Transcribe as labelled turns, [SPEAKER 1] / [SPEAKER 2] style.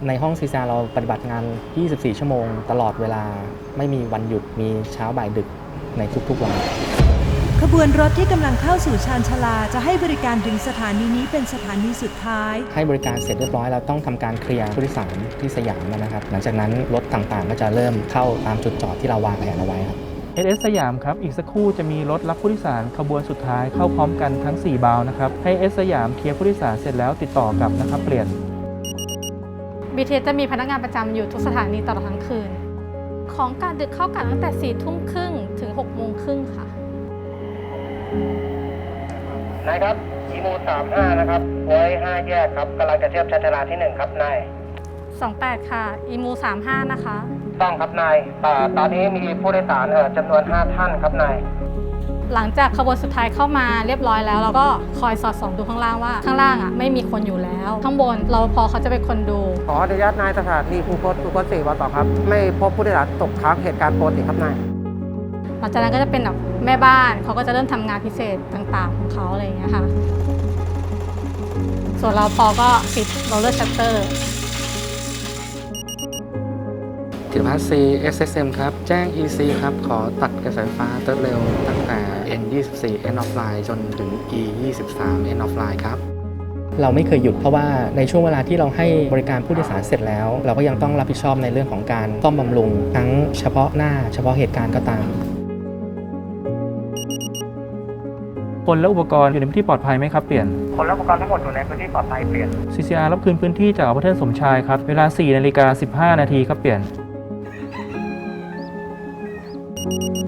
[SPEAKER 1] ในห้อง CCR เราปฏิบัติงาน 24 ชั่วโมงตลอดเวลาไม่มีวันหยุดมีเช้าบ่ายดึกในทุกๆวัน
[SPEAKER 2] ขบวนรถที่กำลังเข้าสู่ชานชาลาจะให้บริการถึงสถานีนี้เป็นสถานีสุดท้าย
[SPEAKER 1] ให้บริการเสร็จเรียบร้อยเราต้องทำการเคลียร์ผู้โดยสารที่สยามนะครับหลังจากนั้นรถต่างๆก็จะเริ่มเข้าตามจุดจอดที่เราวางแผนเอาไว้ครับ
[SPEAKER 3] SS สยามครับอีกสักครู่จะมีรถรับผู้โดยสารขบวนสุดท้ายเข้าพร้อมกันทั้ง4บาวนะครับให้ SS สยามเคลียร์ผู้โดยสารเสร็จแล้วติดต่อกับนะครับเปลี่ยน
[SPEAKER 4] BTS จะมีพนักงานประจำอยู่ทุกสถานีตลอดทั้งคืนของการดึกเข้ากันตั้งแต่ 4 ทุ่มครึ่งถึง 6 โมงครึ่งค่ะ
[SPEAKER 5] นายครับอีโม35นะครับไว้5แยกครับกำลังจะเทียบชานชาลาที่1ครับนาย
[SPEAKER 4] 28ค่ะอีมู35นะคะ
[SPEAKER 5] ต้องครับนายตอนนี้มีผู้โดยสารจำนวน5ท่านครับนาย
[SPEAKER 4] หลังจากขบวนสุดท้ายเข้ามาเรียบร้อยแล้วเราก็คอยสอดส่องดูข้างล่างว่าข้างล่างไม่มีคนอยู่แล้วข้างบนรปภเขาจะเป็นคนดู
[SPEAKER 5] ขออนุญาตนายสถานีคูคต4วันต่อครับไม่พบผู้โดยสารตกค้างเหตุการณ์ปกติครับนาย
[SPEAKER 4] หลังจากนั้นก็จะเป็นแบบแม่บ้านเขาก็จะเริ่มทำงานพิเศษต่างๆของเขาอะไรอย่างเงี้ยค่ะส่วนเราพอก็ปิดโรลเลอร์ชัตเตอร์
[SPEAKER 1] ธีรพัฒน์ C SSM ครับแจ้ง EC ครับขอตัดกระแสไฟฟ้าเติร์ดเร็วตั้งแต่ N24 End of Line จนถึง E23 End of Line ครับเราไม่เคยหยุดเพราะว่าในช่วงเวลาที่เราให้บริการผู้โดยสารเสร็จแล้วเราก็ยังต้องรับผิดชอบในเรื่องของการซ่อมบำรุงทั้งเฉพาะหน้าเฉพาะเหตุการณ์ก็ตาม
[SPEAKER 3] คนและอุปกรณ์อยู่ในพื้นที่ปลอดภัยไหมครับเปลี่ยน
[SPEAKER 5] คนและอุปกรณ์ทั้งหมดอยู่ในพื้นที่ปลอดภัยเปลี่ยน
[SPEAKER 3] CCR รับคืนพื้นที่จากอพาร์ตเมนต์สมชายครับเวลา 4:15 นาทีครับเปลี่ยน